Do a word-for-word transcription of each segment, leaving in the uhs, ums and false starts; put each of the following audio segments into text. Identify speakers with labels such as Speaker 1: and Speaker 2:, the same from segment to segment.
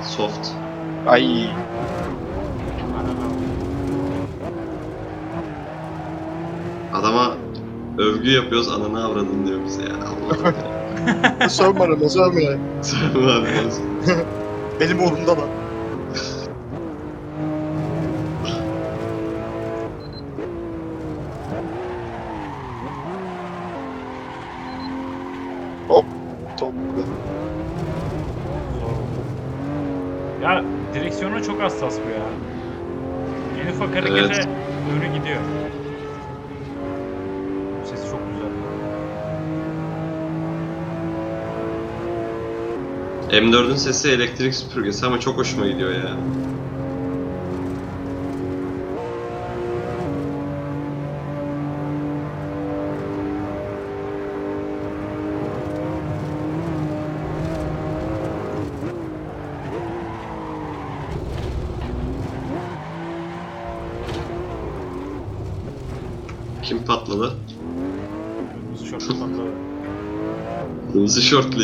Speaker 1: Soft.
Speaker 2: Ay.
Speaker 1: Adama övgü yapıyoruz, ananı avradın diyor bize ya. Allah'ım ya.
Speaker 2: Sorma bana, sorma ya.
Speaker 1: Söyleme abi olsun.
Speaker 2: Benim oğlum da lan. Hop. Top.
Speaker 3: Ya direksiyonu çok hassas bu ya. En ufak harekete
Speaker 1: Evet.
Speaker 3: doğru gidiyor. Sesi çok güzel.
Speaker 1: M dördün sesi elektrik süpürgesi ama çok hoşuma gidiyor ya. Kim patladı?
Speaker 3: Kırmızı şortlu patladı.
Speaker 1: Kırmızı şortlu.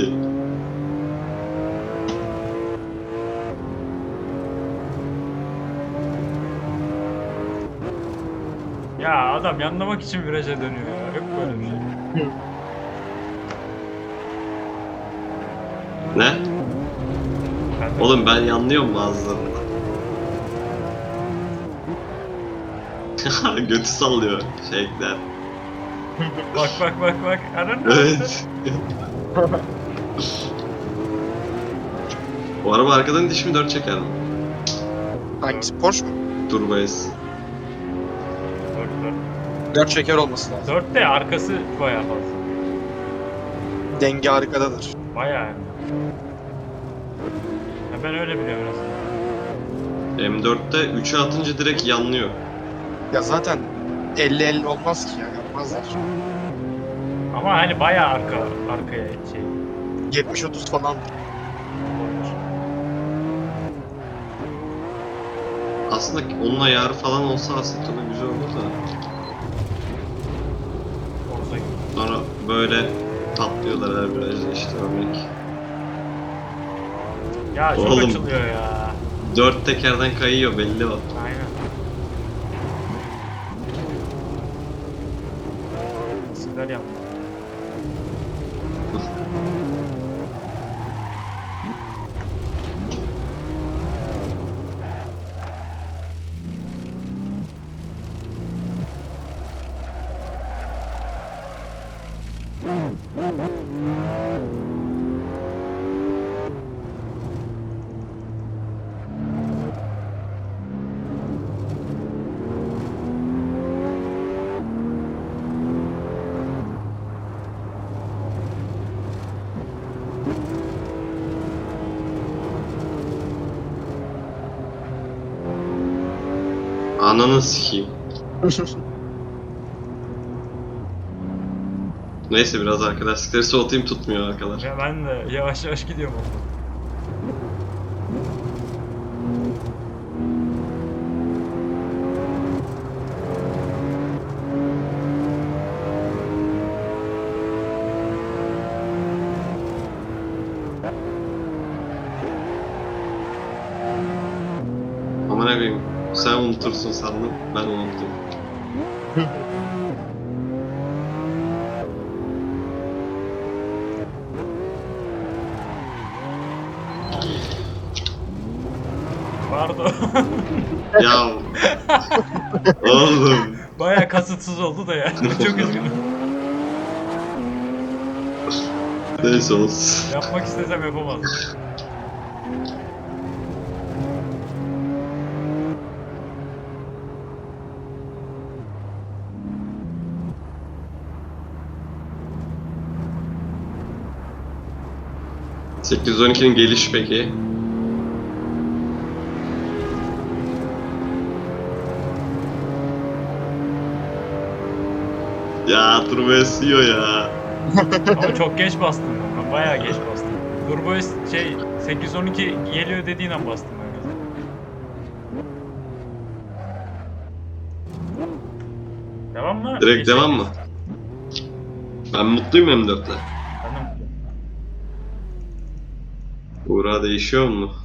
Speaker 3: Ya adam yanlamak için viraja dönüyor ya. Hep böyle bir şey.
Speaker 1: Ne?
Speaker 3: Ben de-
Speaker 1: Oğlum ben yanlıyorum bazılarında. Götü sallıyor şeyler.
Speaker 3: Bak bak bak bak. Aran
Speaker 1: Evet. O araba arkadan diş mi dört çeker mi?
Speaker 2: Hangisi? Porsche mu?
Speaker 1: Turbo S.
Speaker 3: Dört dört.
Speaker 2: Dört şeker olması lazım.
Speaker 3: Dört de arkası bayağı fazla.
Speaker 2: Denge arkadadır.
Speaker 3: Bayağı yani. Ya ben öyle biliyorum biraz.
Speaker 1: M dörtte üçe atınca direkt yanlıyor.
Speaker 2: Ya zaten elli elli olmaz ki ya. Yapmazlar.
Speaker 3: Ama hani bayağı arka arkaya şey.
Speaker 2: yetmiş otuz falan.
Speaker 3: Olmuş.
Speaker 1: Aslında onun ayarı falan olsa aslında tabii güzel olur da.
Speaker 3: Olsa gibi.
Speaker 1: Sonra böyle patlıyorlar her virajda işte örnek.
Speaker 3: Ya çok
Speaker 1: Oğlum.
Speaker 3: açılıyor ya.
Speaker 1: Dört tekerden kayıyor belli o.
Speaker 3: Aynen. Sizler yaptı.
Speaker 1: Ananı sikeyim. Neyse biraz arkadaşlıkları soğutayım, tutmuyor arkalar.
Speaker 3: Ya ben de yavaş yavaş gidiyorum orada.
Speaker 1: Aman koyayım. Sen unutursun sandım. Ben unuttum.
Speaker 3: Pardon.
Speaker 1: Ya oğlum.
Speaker 3: Bayağı kasıtsız oldu da yani. Çok üzgünüm.
Speaker 1: Neyse olsun.
Speaker 3: Yapmak istesem yapamazdım.
Speaker 1: sekiz yüz on ikinin geliş peki? Ya turbo esiyor ya.
Speaker 3: Ama çok geç bastım ben. Ben bayağı geç bastım. Turbo S- şey sekiz yüz on iki geliyor dediğin an bastım ben gaza. Devam mı?
Speaker 1: Direkt
Speaker 3: Değişecek
Speaker 1: devam
Speaker 3: miyiz?
Speaker 1: mı? Ben mutluyum M dörtte.
Speaker 3: Ben de mutluyum.
Speaker 1: Uğra değişiyor mu?